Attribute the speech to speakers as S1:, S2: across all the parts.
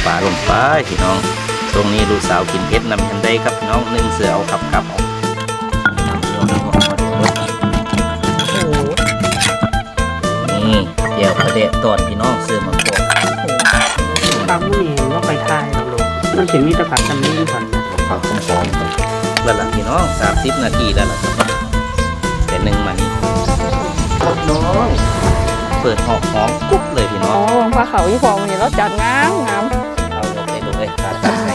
S1: ปลาลงไปพี่น้องตรงนี้ลูกสาวกินเผ็ดนำกันได้ครับพี่น้อง1เสือเอาขับออกนี่เดี๋ยวประเดะตอนพี่น้องเสือมาโกด
S2: ปลาผู้นี่ว่าไปทายเราลูกมันถึงมีตะขาบจำนี้ก่อน
S1: ผักหอมๆครับแล้วล่ะพี่น้อง30 นาทีแล้วล่ะครับแต่1มานี่น้องเปิดหอมกุ๊บเลยพี่น้อง
S3: พาเขายี่พอวันนี้เราจัดงาม
S1: เอาลงเลยตัดให้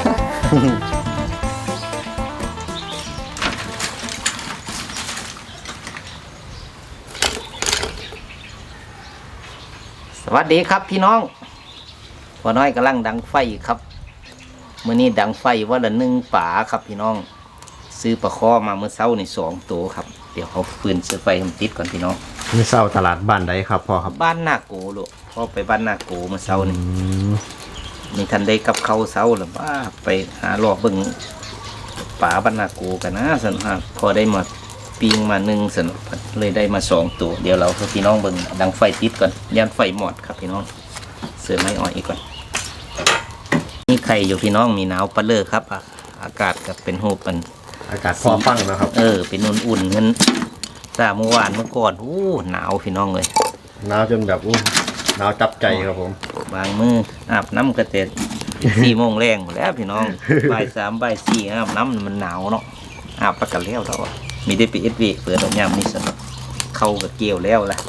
S1: สวัสดีครับพี่น้องพอน้อยกำลังดังไฟครับมื้อนี้ดังไฟว่าละ1ป่าครับพี่น้องซื้อปลาคอมาเมื่อเช้าใน2 ตัวครับเดี๋ยวเอาฟืนเสือไฟให้มันติดก่อนพี่น้อง
S4: นี่เช้าตลาดบ้านใดครับพ่อครับ
S1: บ้านนาโกลูกพ่อไปบ้านนาโกเมื่อเช้านี่มีทันได้กับเขาเช้าหรือว่าไปหารอบเบิ่งป่าบ้านนาโกกันนะสนุกพอได้มาปีงมา1สนุกเลยได้มา2 ตัวเดี๋ยวเราพี่น้องเบิ่งดังไฟติดก่อนยันไฟหมดครับพี่น้องเสือไม้อ่อยอีกก่อนนี่ไข่อยู่พี่น้องมีหนาวปะเลอครับอากาศก็เป็นหูเป็น
S4: อากาศพอฟังนะครับ
S1: เป็นอุ่นๆเงินเมื่อวานเมื่อก่อนหนาวพี่น้องเลย
S4: หนาวจนแบบหนาวจับใจครับผม
S1: บางมืออาบน้ำกระเตะ4 โมงแรงหมดแล้วพี่น้องบ่าย 3บ่าย 4อาบน้ำมันหนาวเนาะอาบประกันแล้วเรามีได้ไปเปิดน้ำยามนี่สนุกเข้ากับเกลียวแล้วล่ะ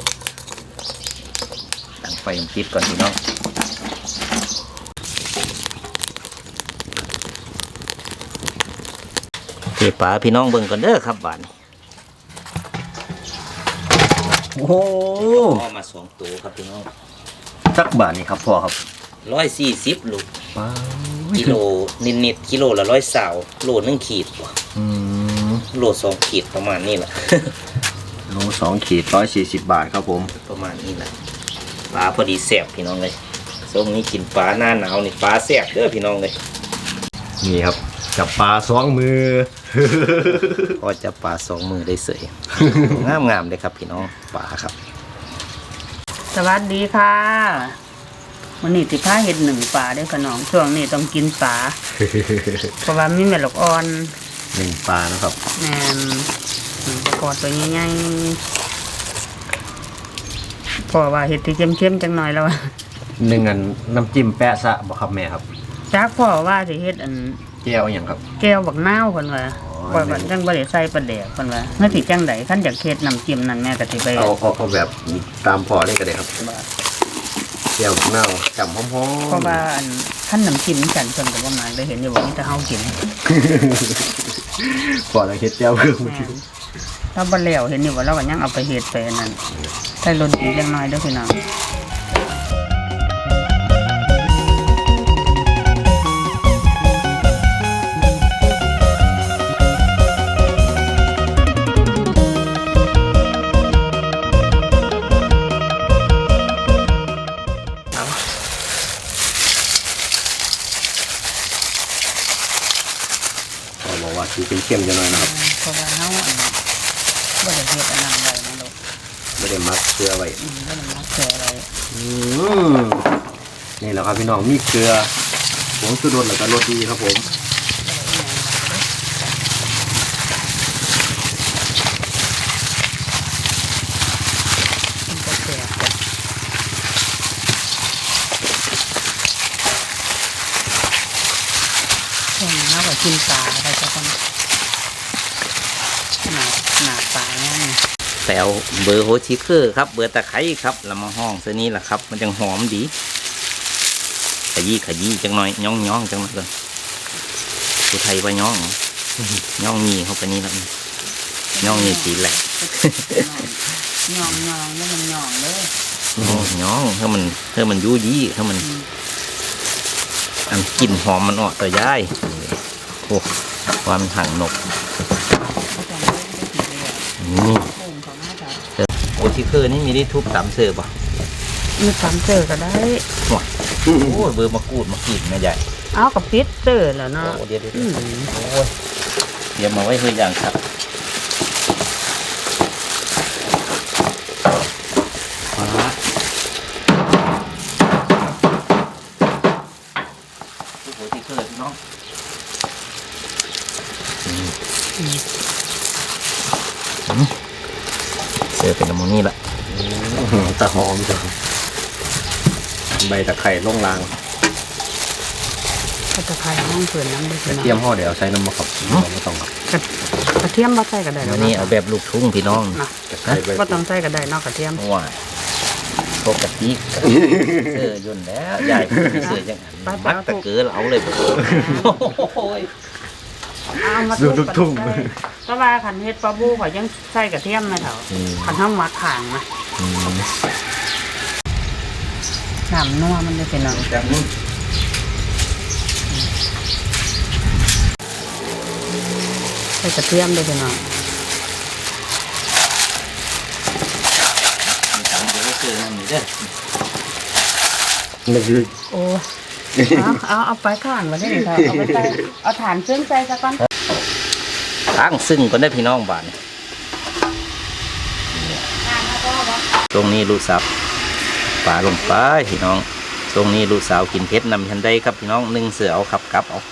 S1: ดังไฟมันติดก่อนพี่น้องเก็บปลาพี่น้องเบิ่งก่อนเด้อครับบ้าน
S4: โอ้โห
S1: มา2 ตัวครับพี่น้อง
S4: สักบาทนี่ครับพ่อครับ
S1: 140ลูกกิโลนิดกิโลละ120โล1 ขีดโล2 ขีดประมาณนี้แหละ
S4: โล2 ขีด140 บาทครับผม
S1: ประมาณนี้แหละปลาพอดีแซ่บพี่น้องเลยช่วงนี้กินปลาหน้าหนาวนี่ปลาแซ่บเด้อพี่น้องเลย
S4: นี่ครับจับปลา2 มือ
S1: พอจะปลา2 มือได้เสยงามเลยครับพี่น้องปลาครับ
S2: สวัสดีค่ะวันนี้15เห็ด1ปลาได้ขนมช่วงนี้ต้องกินปลาเพราะว่ามีแม่ลูกอ่อน
S4: 1ปลานะครับ
S2: แม่กอดตัวใหญ่ๆเพราะว่าเห็ดที่เข้มๆจังหน่อยแล้ว
S4: อันน้ำจิ้มแปะซะบ่ครับแม่ครับ
S2: จักพ่อว่าสิเฮ็ดอัน
S4: แก้วอย่างครับ
S2: แก้วบักนาวเพิ่นว่าจังบ่ได้ใส่ปลาแดกเพิ่นว่าเมื่อสิจังได๋คันอยากเฮ็ดน้ำจิ้มนั่นแม่ก็สิไป
S4: เอาแบบตามพ่อเลยก็ได้ครับแก้วบักนาวจำหอม
S2: ๆเพราะว่าอันคันน้ำจิ้มกันเพิ่นก็บ่มาได้เห็นอยู่ว่ามีแต่เฮากิน
S4: พ่อแล้วเฮ็ดแก้วเพิ่ม
S2: ถ้าบ่แล้วเห็นอยู่ว่าเราก็ยังเอาไปเฮ็ดไปนั่นใส่รสดีจังหน่อยเด้อพี่น้อง
S4: สีเข้มๆจะหน่อยนะครับ
S2: เพราะว่าเฮาบ่ได้เฮ็ดอันนั้นไว้นะลูก
S4: ไม่ได้มักเกลือไว้
S2: บ่ได้มักเกลือไว้
S4: นี่แหละครับพี่น้องมีเกลือผงชูรสแล้วก็รสดีครับผม
S2: กินปลาอะไรจะต้องหนาปลาเนี่ย
S1: แต่เอาเบอร์โฮชิเคอร์ครับเบอร์ตะไคร้ครับแล้วมาห้องเส้นนี้แหละครับมันจังหอมดีขยี้จังหน่อยย่องจังหน่อยเลยผู้ไทยว่าย่องมีเข้าไปนี่แล้วย่องนี่สีแหลก
S2: ย่องแล้วมันย่องเลย
S1: ย่องถ้ามันยุ่ยี่ถ้ามันอันกลิ่นหอมมันออกแต่ย่ายโอ้ความหั่งนกนี่โอชิเคอร์นี่มีได้ทุบตำเสิร์ฟป่ะ
S2: มีตำเสิร์ฟก็ได้
S1: โอ้เบอร์มะกรูดมากินนะใหญ่
S2: เอากับพิษเสิร์ฟแล้วเนาะ
S1: เดี๋ยวโอ้ยเตรียมมาไว้เพื่ออย่างครับหัวที่เกิดเนาะเสิร์ฟเป็นน้ำมันนี่ละ
S4: ตะหอมจ้ะใบตะไคร้ลงลาง
S2: ก็จะพายห้องเผื่อน้ำได้
S4: กระเทียมห่อเดี๋ยวใช้น้ำมะขามไม่ต้องครับ
S2: กระเทียมบ่ใส่ก็ได้
S1: วันนี้เอาแบบลูกทุ่งพี่น้อง
S2: นะ
S4: ตะไคร้ใบ
S2: บ่ต้องใส่ก็ได้เนอกกระเทียม
S1: ว้ายพวกกะทิเสื้อย่นแล้วใหญ่เสื้อยังมักตะเกือเอาเลยโอ้ย
S2: เอามา
S4: ดูลูกทุ่ง
S2: เพราะว่าขันเฮ็ดปลาบูข่อยยังใส่กระเทียมนะเถาขันห้ามมักข่างนะน้ำนัวมันได้เป็นน้ำ
S1: แบบนี้
S2: ใส่กระเทียมได้เป็นน้
S1: มีสามเดี๋ยวเสื้อนั่นนี่เด้อ
S4: นี่คือ
S2: ำโอ้เอาไปข้างมาได้เลยค่ะเอาไปใส่เอาฐานเครื่องใส่ซะก่อน
S1: ล้างซึ่งก็ได้พี่น้องบ้านตรงนี้ลูกสาวปลาลงไปพี่น้องตรงนี้ลูกสาวกินเผ็ดนำฉันได้ครับพี่น้อง1เสือเอาขับกลับเอา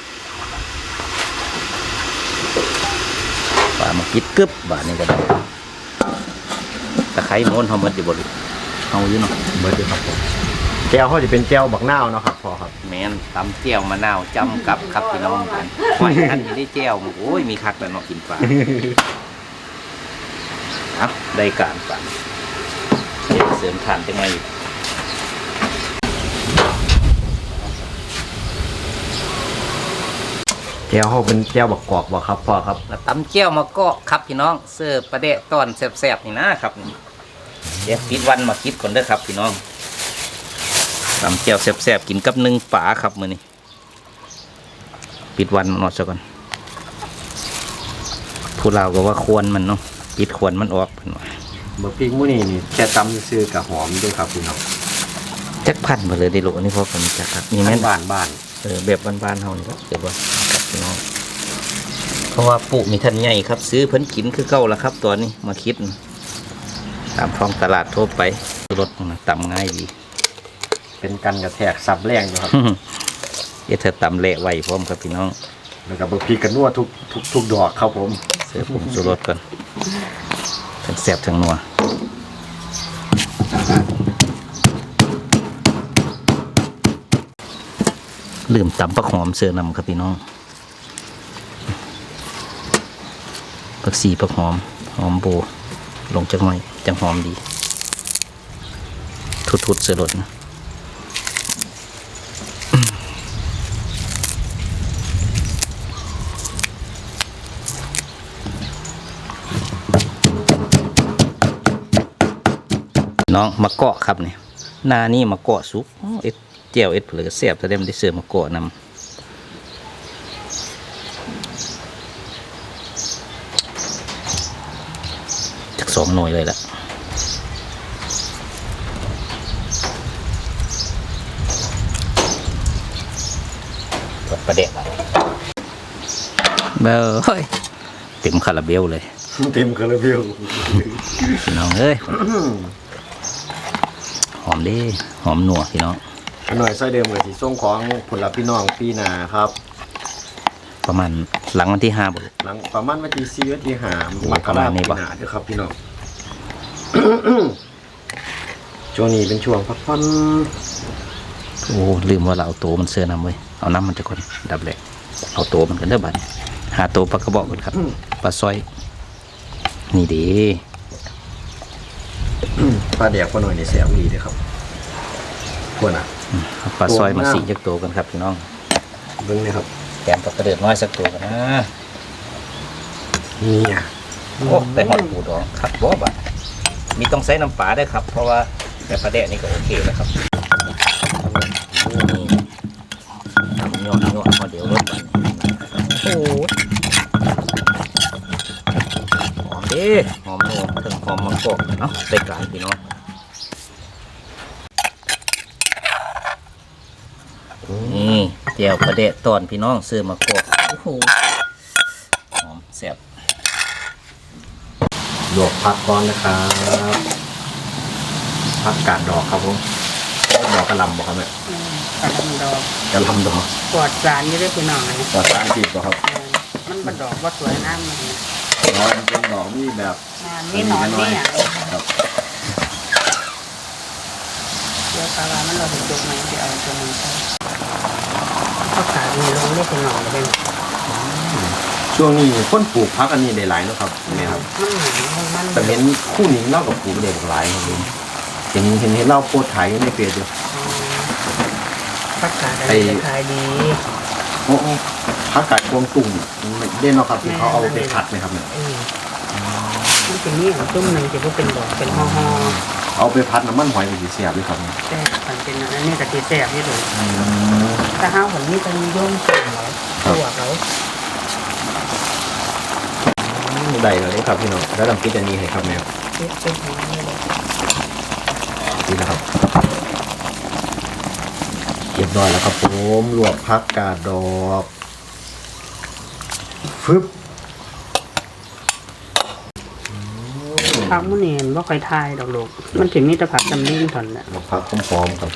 S1: ปลามาคิดกึบบ้านนี้ก็ได้ตะไคร้ม้วนเขาหมดอยู่บนเอาอยู่เนาะ
S4: เบิร์ดครับผมแก้วเขาจะเป็นแก้วบักนาวเนาะครับพอครับ
S1: แมนตำเจียวมะนาวจำกับครับพี่น้องกันหอยท่านนี้ได้เจียวโอ้ยมีคักแล้วเนาะกินปลาเอาได้การปลาเดี๋ยวเสริมทานจังไงอยู่
S4: แก้วเขาเป็นแก้วบักกอกบ่ครับพอครับ
S1: แล้วตำเจียวมาก็ครับพี่น้องเสิร์ฟประเดะตอนแซ่บๆนี่นะครับเดี๋ยวปิดวันมาคิดก่อนเด้อครับพี่น้องตำเจียวแซ่บๆกินกับ1ป่าครับมื้อนี้ปิดวันมันออกซะก่อนผู้เราก็ว่าควรมันเนาะปิดควรมันออกเพิ่นว่า
S4: เบอร์พริกมื้อนี้นี่แค่ตำซื้อกับหอมด้วยครับพี่น้อง
S1: จักพันมาเลยได้โลนี่พอผมจักครับมีแม่น
S4: บ้านบ้าน
S1: แบบบ้านๆเฮานี่ครับเดี๋ยวบ่ครับพี่น้องเพราะว่าปุมีท่านใหญ่ครับ ซื้อเพิ่นกินคือเก่าแล้วครับตัวนี้มาคิดตามท้องตลาดทั่วไปรสมันตำง่ายดี
S4: เป็นกันกระแทกซับแรงอยู่ครับ
S1: เธอตำเละไว้พร้อมครับพี่น้อง
S4: แล้วก็เบอร์พริกกันนัวทุกดอกครับผม
S1: เสิร์ฟผงชูรสก่อนทั้งแซ่บทั้งนัวลืมตำผักหอมเสิร์ฟนำครับพี่น้องผักชีผักหอมหอมโบลงจังหน่อยจังหอมดีทุดๆเสิร์ฟรสนะน้องมะเกาะครับเนี่ยหน้านี่มะเกาะซุปเอ็ดเจียวเอ็ดเผลือเสียบจะได้ไม่ได้เสิร์ฟมะเกาะนำจาก2 หน่วยเลยละกดประเด็กเบลเฮ้ยเต็มคาราเบลเลย
S4: เต็มคาราเบล
S1: พี่น้องเอ้ยหอมดีหอมหนัวพี่น้อง
S4: หน่อยไส้เดิมกับสีส้มของผลลัพธ์พี่น้องพี่นาครับ
S1: ประมาณหลังวันที่5บ่
S4: หลังประมาณวันที่4วันที่5
S1: โอ้
S4: มกราคม
S1: ประมาณนี้
S4: ปี
S1: ปะ
S4: หน้าเด้อครับพี่น้อง ช่วงนี้เป็นช่วงพักผ่อน
S1: โอ้ลืมว่าเราเอาโตมันเสื้อนำไว้เอาน้ำมันจะคนดับแหลกเอาโตมันกันเด้อบัดนี้หาโตปลากระบอกกันครับปลาซอยนี่ดี
S4: ปลาแดกปลาหน่อยในแสบดีเด้อครับพวกน่ะ
S1: เอาปลาซอยมาสีจักโตกันครับพี่น้อง
S4: เบิ่งนี่ครับ
S1: แกมปลากระเดือดน้อยสักตัวกันนะ
S4: นี่อ่ะ
S1: โอ้แต่หอดปูดองครับบ่บัดมีต้องใส่น้ำปลาได้วยครับเพราะว่าแต่ปลาแดกนี่ก็โอเคแล้วครับนี่ทำยอดพอเดี๋ยวรสบัดโอ้หอมดีหอมนัวถึงหอมมะกอกเนาะได้การพี่น้องนี่เจียวประเดะตอนพี่น้องซื้อมากอกโอ้โหหอมแซ่บ
S4: ลวกผักก่อนนะครับผักกาดดอกครับผมดอกกระหล่ำบอกครับแม่
S2: กระดอก
S4: กระลำดอก
S2: ปลอดสารอยู่ได้พี่น้องเลย
S4: ปลอดสารพิษบ่ครับ
S2: มันเป็นดอกว่าสวยน้ำมัน
S4: อ๋อมันเป็นดอกนี่แบบ
S2: นี่หนอนนี่อ่ะ
S4: ครับ
S2: เดี๋ยวปลาว่ามันเราถึงจุกไหมเดี๋ยวเอาตัวมันไปเขาขายมีลงได้พี่น้องเลย
S4: ช่วงนี้คนปลูกพักอันนี้ได้หลายเนาะครับแม่ครับ
S2: มัน
S4: แต่เห็นคู่หนิงเล่ากับปลูกได้หลายครับผมเห็นเล่าโพสต์ขายอยู่ในเฟซอยู่
S2: ผักกาดอะไรขายดี
S4: โอ้พักกาดกวงตุ่มเด่นเนาะครับที่เขาเอาไปผัดไหมครับเนี่ย
S2: มันเป็นนี่ของตุ้มหนึ่งจะว่าเป็นดอกเป็นห่อ
S4: เอาไปผัดน้ำมันหอยไปสีเสียบเลยครับ
S2: ๆแต่มันเป็นอันนี้กะทิแซ่บที่สุดถ้าห้าวผมนี่จะนิยมส่งเขาตัวเขา
S4: ได้เลยครับพี่น้องแล้วลำกินอันนี้ให้ครับแมว
S2: เป็นของนี่เลย
S4: นี่นะครับเรียบร้อยแล้วครับผมลวกพักกาดดอกฟึบ
S2: ผักมันเห็นว่าใครทายดอกลูกมันถึงมีแต่ผักจำลิ้งถอนแหละ
S4: ลวกพักหอมๆครับ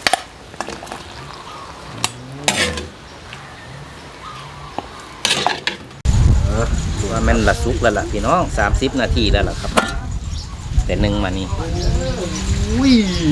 S1: ว่าแม่นละสุกแล้วล่ะพี่น้อง30 นาทีแล้วล่ะครับ แต่หนึ่งมานี่
S4: อุ้ย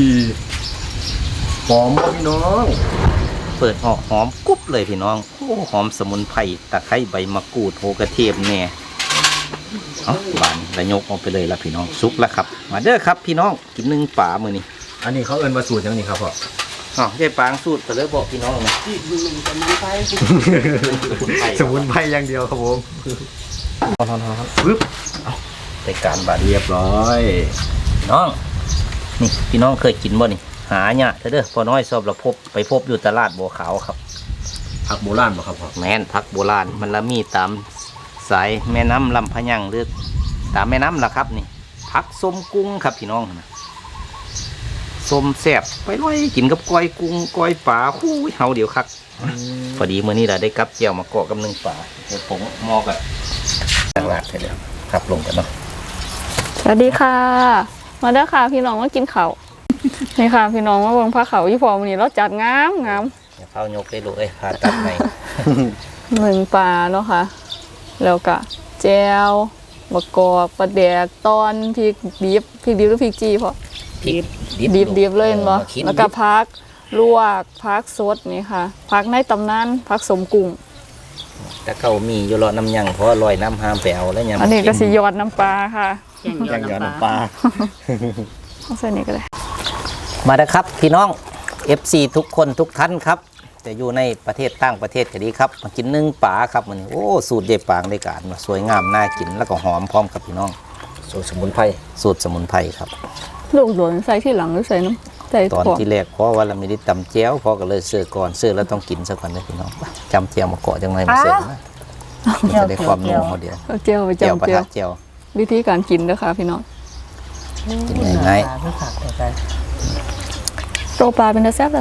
S4: หอมบ่พี่น้อง
S1: เปิดออกหอมกรุบเลยพี่น้องโอ้หอมสมุนไพรตะไคร้ใบมะกรูดโหกระเทียมแหน่เอาบานระยกออกไปเลยล่ะพี่น้องสุกแล้วครับ มาเด้อครับพี่น้องกินหนึ่งป่ามื้อนี้
S4: อันนี้เขาเอิ้นว่าสูตรยังนี่ครับพ่อ
S1: อ๋อใช่ปางสูตรไปเลยบอกพี่น้องนะ
S2: อีกหนึ่งจะมันไป
S4: สมุนไพรอย่างเดียวครับผม
S1: ฟึบเอาไปการบาด
S4: เรียบร้อย
S1: พี่น้องนี่พี่น้องเคยกินบ่นี่หาเนี่ยเด้อพอน้อยสอบเราไปพบอยู่ตลาดบัวขาวครับ
S4: ผักโบราณบ่ครับพ่อ
S1: แม่นพักโบราณมันละมีตามสายแม่น้ำลำพะยังหรือตามแม่น้ำล่ะครับนี่พักส้มกุ้งครับพี่น้องนะส้มแซ่บไปลอยกินกับก้อยกุ้งก้อยปลาคู่เฮาเดี๋ยวครับพอดีมื้อนี้เราได้กับเจียวมาเกาะกับหนึ่งปลาเดี๋ยวผมมอกันตลาดไปแล้วครับลงกันเนาะ
S3: สวัสดีค่ะ มาเด้อค่ะพี่น้องมากินข้าว นี่ค่ะพี่น้องมาเบิ่งผ้าขาวยี่พอวันนี้เราจัดงามงาม
S1: เดี๋ยวเข้ายกได้ลูกผ่าตัดใน
S3: หนึ่งปลาเนาะค่ะ แล้วก็แจวบะกอกปลาแดกตอนพริกดิบหรือพริกจีพอ
S1: พริก
S3: ดิบเลยเห็นบ่
S1: มาคิด
S3: แล้วก็พักลวกพักสดนี่ค่ะพักในตำนานพักสมกุ้ง
S1: แต่เขามีอยู่รอน้ำยังเพราะลอยน้ำห้ามไปเอาแล้วยัง
S3: อันนี้ก็สิยอดน้ำปลาค่ะ
S2: แย่งยอดน้ำปลา
S3: เอาใส่นี่ก็ได้
S1: มาเด้อครับพี่น้อง FC ทุกคนทุกท่านครับจะอยู่ในประเทศต่างประเทศก็ดีครับมากินนึ่งปลาครับมันโอ้สูตรเด็ดปางได้การมาสวยงามน่ากินแล้วก็หอมพร้อมครับพี่น้อง
S4: สูตรสมุนไพร
S1: สูตรสมุนไพรครับ
S3: ลูกหลนใส่ที่หลังหรือใส่น้ำใส่
S1: ตอน
S3: ถั่ว
S1: ที่แรกเพราะว่าเราไม่ได้ตำแจ้วพอก็เลยเสิร์ฟก่อนเสิร์ฟแล้วต้องกินซะก่อนนะพี่น้องจำแจ้วมาเกาะจังไรมาเสิร์ฟนะมันจะได้ความนุ่มเขาเดียว
S3: เอาเจียวไป
S1: แจ้ว
S3: จำ
S1: ประ
S3: เจีย
S1: ทั
S3: ว
S1: ดแจ้ว
S3: วิธีการกินเด้อค่ะพี่น้อง
S1: กินง่าย
S2: ก็ขาดไป
S3: โตปลาเป็นตาแซ่บ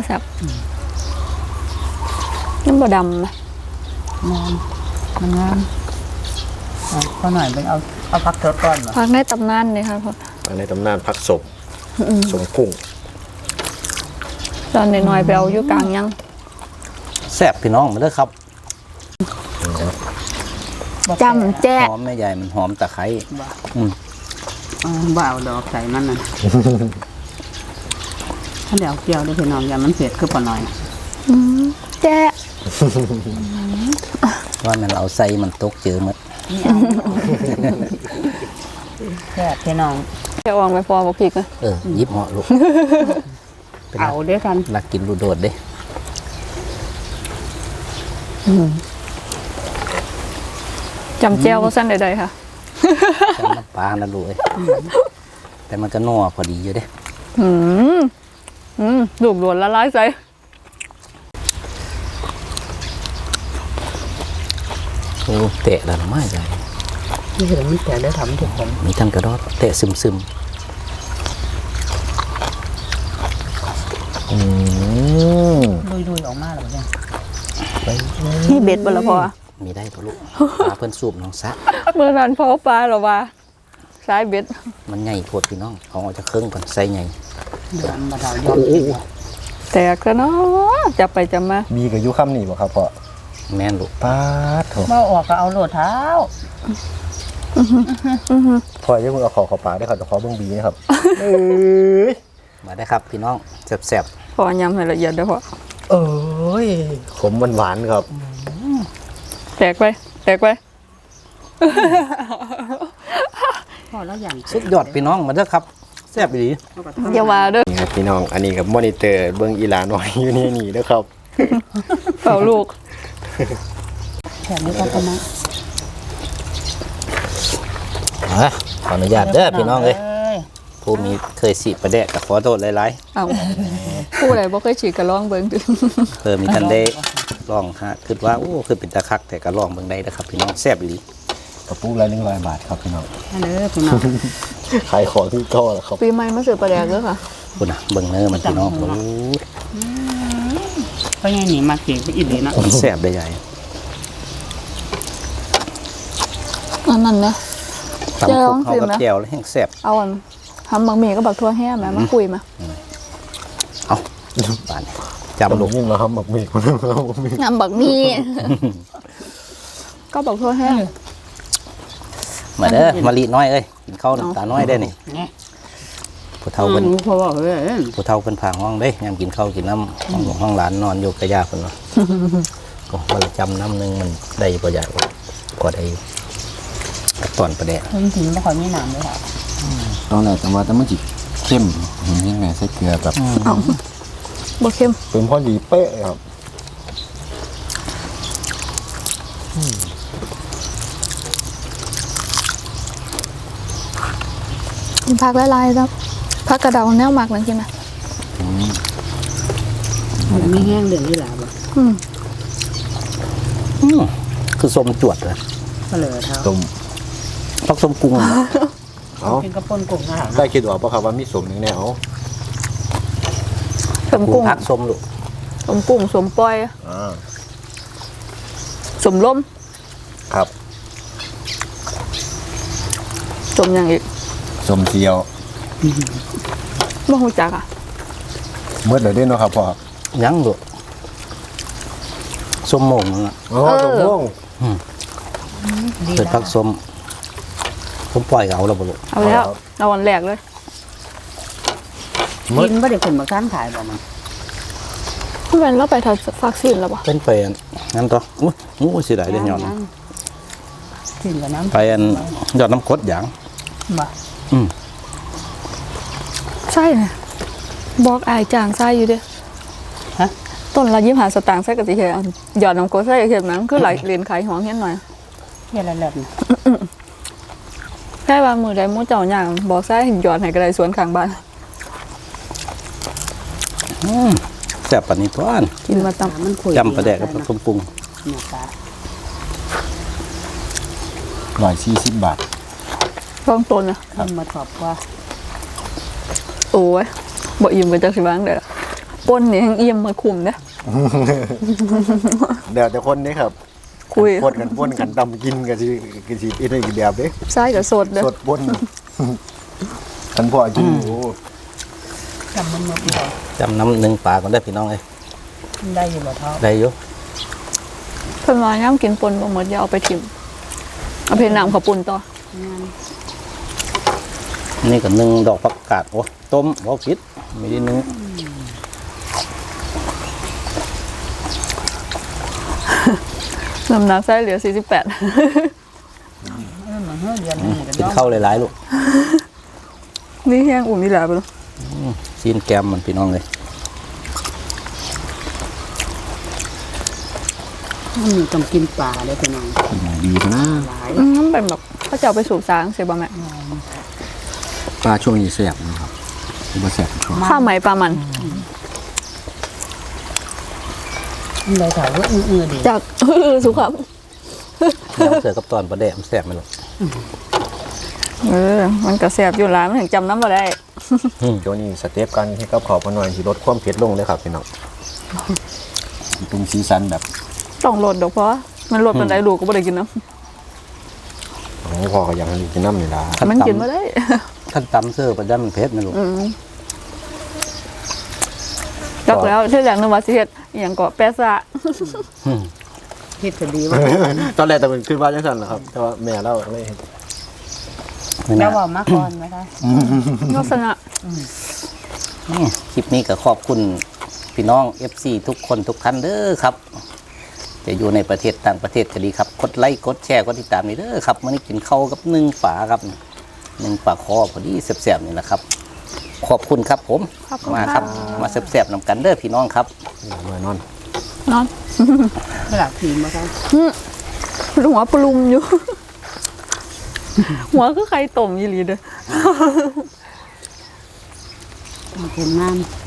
S3: น้ำบะดำไหม
S2: มันงามก็หน่อยเป็นเอาพักเถอะก่อนเหรอ
S3: พักในตำนานเลยค่ะพ่อ
S4: ในตำนานผักศพสมกุ้ง
S3: ตอนน้อยๆไปเอาอยู่กลางยัง
S1: แซ่บพี่น้องมาเด้อครับ
S3: จำแจ๊ะ
S1: หอมแม่ใหญ่มันหอมตะไคร้
S2: บ่าวดอกใส่มันน่ะถ้าเดี๋ยวเกี่ยวด้วยพี่น้องอย่ามันเผ็ดคือปหน่อย
S3: แจ๊ะ
S1: ว่ามันเอาใส่มันตกเจอหมด
S2: แค่พี่น้อง
S3: แจะวางไปพอบอกพีกนะ
S1: ยิบเหาะลูก
S2: เอาด้วยกัน
S1: รักกินรูโดดเด้
S3: จำแจ้วว่าสั้นใดๆค่ะ
S1: จำน้ำปลานะลูกเอ้ยแต่มันก็นัวพอดีอยู่เด้
S3: ลูกหลวนละลายใส่
S1: โอ้เตะแล้วไม่ใหญ่
S2: นี่คือมันแต่ได้ทำถูกผม
S1: มีทั้งกระดอดเตะซึมซึม
S2: ดุยออกมาแล้วเนี่ย
S3: นี่เบ็ดบ่ละพอ
S1: มีได้ปะลูกปลาเพิ่นสูบน้องซะ
S3: เมื่อนั้นพอปลาหรอวะสายเบ็ด
S1: มันใหญ่โพดพี่น้องเอาออกจากเครื่องก่อนใส่ใหญ่
S2: เดือนมาดาวยอด
S3: แตกแล้วเนาะจับไปจับมา
S4: บีกับยุค่ำนี่บ่ครับพ่อ
S1: แม่นลูก
S4: ป๊าดโถ
S2: บ่ออกก็เอาโหลดเท้า
S4: พ่ออย่าเพิ่งเอาเข้าปากได้อครับจะขอเบิ่งบีนะครับ เอ้ย
S1: มาได้ครับพี่น้องแซ่บ
S3: พอยำให้ละเอียดเด้อพ่อ
S4: เอ้ยขมหวานๆครับ
S3: แตกไปแตกไป
S2: พอแล้วอย่าง
S1: ๆสุดยอดพี่น้องมาเด้อครับแซ่บดี
S3: อย่าว่าเด้อ
S4: นี่ครับพี่น้องอันนี้กับมอนิเตอร์เบิ่งอีหลาน้อยอยู่นี่เด้อครับ
S3: เฝ้าลูก
S2: แถมนี้ก็ประมาณ
S1: ขออนุญาตเด้อพี่น้องเลยผู้มีเคยสีประแดกก็ขอโทษหลาย
S3: เอาผู้ใดบ่เคยฉีดก็ลองเบิ่งดู
S1: ๆเพิ่มมีทันได้ลองฮะคิดว่าโอ้คือเป็นตะคักแต่ก็ลองเบิ่งได้นะครับพี่น้องแซ่บดี
S4: กระปุกละ100 บาทครับพี่น้อง
S2: อันเด้อพี่น้อง
S4: ขายของที่ก็แล้วครับ
S3: ปีใหม่มาซื้อปลาแดกเด้อค่ะ
S1: คุณนะเบิ่งเนื้อมันพี่น้องโอ้
S2: เพราะงั้นนี่มาเก็บอีกดีเนาะ
S1: แซ่บได้ใหญ่
S3: อันนั้นนะ
S1: ตำ
S3: เจ้า
S1: คุก
S3: ลอง
S1: เขา
S3: ชิม
S1: กับ
S3: นะ
S1: แก้วแล้วแห้งแซ่บ
S3: เอาอันทำบะหมี่กับบักทั่วแห้งแม่มาคุยมา
S1: เอาบานจำ
S4: จำ
S1: ลู
S4: ลู
S1: ก
S4: กยิ่งนะครับบักหมี่คนนึงครับบักหมี่
S3: น้ำบักหมี่ก็บักทั่วแห้ง
S1: มาเด้อมาลีน้อยเอ้ยกินข้าวน้ำตาน้อยได้นี่
S2: เนี่ย
S1: ผู้เฒ่าเพิ่น
S2: เพราะว่าเฮ้ย
S1: ผู้เฒ่าเพิ่นพาห้องเด้ยามกินข้าวกินน้ำห้องหลวงห้องหลานนอนอยู่กับย่าเพิ่นว่าก็วันละจำน้ำหนึงมันได้บ่อยากก็ได้ตอนประแดก
S2: จริงๆไม่ค่อยมีน้ำเลยค่ะ
S4: ตอนแรกแต่ว่าแต่มันจิเข้มเห็นยังไงใส่เกลือแบบ
S3: เอาบ่เค็ม
S4: เป็นพอดีเป๊ะเลยครับ
S3: กินผักหลายๆครับผักกระเดาแนวหมักนั่นกินนะ
S2: มันไม่แห้งเดือดนี่แหละบ่
S1: คือส้มจวดเลย
S2: ก็เลยเท้า
S4: ต้ม
S1: พักส้มกุ้ง
S4: เอา
S2: กินกระปุนกุ้งค่ะ
S4: ได้คิดว่าปะครับว่ามีสมหนึ่งแนว
S3: สมกุ้ง
S1: พักส้มลูก
S3: สมกุ้งสมปล่อย สมล้ม
S4: ครับ
S3: สมอย่างอีก
S4: สมเจียว
S3: บ่ฮู้จักอ่ะ
S4: เมื่อเดี๋ยวได้เนาะครับพ่อ
S1: ยังลูกส้มโมงนั่นล่ะ
S4: อ๋อสมม่วง
S1: เปิดพักส้มผมปล่อยก็เอาแล้วบ่ลูก
S3: เอาแล้วเอาวันแรกเลย
S2: กินบ่ได้ขึ้นมาค้านขายบ่มัน
S3: เพื่อนเราไปทัดฝากซีนแล้วบ่
S1: เป็นไปอันงั้นต่ออู้สิได้เด้ยอด
S2: กินกับน้ำ
S1: ไปอันยอดน้ำกรดอย่าง
S2: บ่
S3: ใช่นะบอกอายจางใส่อยู่เด้
S2: ฮะ
S3: ต้นละ25 สตางค์ใส่ก็สิเฮ็ดเอาหยอดน้ำกรดใส่เฮ็ดมันคือหลายเหรียญขายของเฮ็ดหน่อย
S2: เฮ็ดอะไรนี่
S3: แค่ว่ามื้อใดหมู่เจ้าย่างบอกใส่หยอดให้ก็ได้สวนข้างบ้าน
S1: แซ่บปานนี้ตัวอัน
S3: กินมาตำ
S2: มันคุย
S1: จำประแดกกับพักส้มปรุง
S2: เนี่ยตา
S4: 140 บาท
S3: ต้องต้นนะ
S2: ขึ้นมาสอบกว่า
S3: โอ้ยบ่อิ่มก็จักสิว่างได้ล่ะป่นนี่แฮงอิ่มมาคุมเด้อ
S4: เดี๋ยวแต่คนนี้ครับ
S3: คุย
S4: ปนกันป้นกันตำกินกันสิอีกได้กี่แบบเด้
S3: ใส่ก็สดเด้อ
S4: สดป้นท่านพ่อกินโอ้
S2: จำมันหมดเลย
S1: จำน้ำหนึ่งปลาก่อนได้อพี่น้องเอ้ย
S2: ได้อยู่บ่เท้า
S1: ได้อยู่
S3: เพิ่นว่ายามกินป่นบ่หมดอย่าเอาไปทิ่มเอาไปน้ำข้าวปุ้นต่อ
S1: นี่ก็นึ่งดอกผักกาดโอ้ต้มบ่ผิดไม่ได้นึ่ง
S3: น้ำหนักใส่เหลือ48
S2: มันเฮือเดือนนึงก็
S1: กินข้าวหลายๆลูก
S3: นี่แห้งอุ่นนี่แหละไปแล้ว
S1: ซีนแกมมันพี่น้องเลย
S2: มันต้องกินปลาได้พี่น้อง
S4: ดีนะ
S2: หลาย
S3: มันเป็นแบบเขาจะเอาไปสูบสางเสียบ่แม่
S4: ปลาช่วงนี้แสบนะครับบ่แสบช่วง
S3: ข้าวไหมปลามัน
S2: มันเลยถามว่าอื้อๆดี
S3: จาก สุขภาพ
S1: น้ำเสือกับตอนประแดกมันแซ่บไหมลูก
S3: มันก็แสบอยู่หลายมันถึงจำน้ำบ่ได้
S4: ช่วงนี้สเต็ปกันให้กับขอบมาหน่อยสิลดความเผ็ดลงเลยครับพี่น้องเป็นสีสันแบบ
S3: ต้องลดดอกเพราะมันลดปันไดลูกก็บ่ได้กินน้
S4: ของพ่อก็ยังกินน้ำนี่ล่ะ
S3: ำมันกินบ่ได้
S1: ขั้นตำเสือประจำมันเผ็ดไหมลูก
S3: อืมจักแล้วที่แรกนึกว่าสิเฮ็ดอหยังก็แปะซะ
S2: คิดก็ดีว่า
S4: ตอนแรกแต่มันขึ้นว่าจังซั่นนะครับ แต่ว่าแม่เราไม่เห็น
S2: แล้วว่ามาก่อนไหมคะ
S3: ลักษณะ
S1: นี่คลิปนี้ก็ขอบคุณพี่น้อง FC ทุกคนทุกท่านเด้อครับ จะอยู่ในประเทศต่างประเทศก็ดีครับกดไลค์กดแชร์กดติดตามนี่เด้อครับมื้อนี้กินข้าวกับ1 ฝาครับ1 ฝาคอพอดีแซ่บๆนี่แหละครับ ขอบคุณครับผมมาครับมาแซ่บๆนำกันเด้อพี่น้องครับ
S4: มานอน
S3: นอน
S2: ไม่หลับผีมาคะ
S3: หัวปรุมอยู่ หัวคือไข่ต้มอีหลีเด้อ
S2: เป็นน้ำ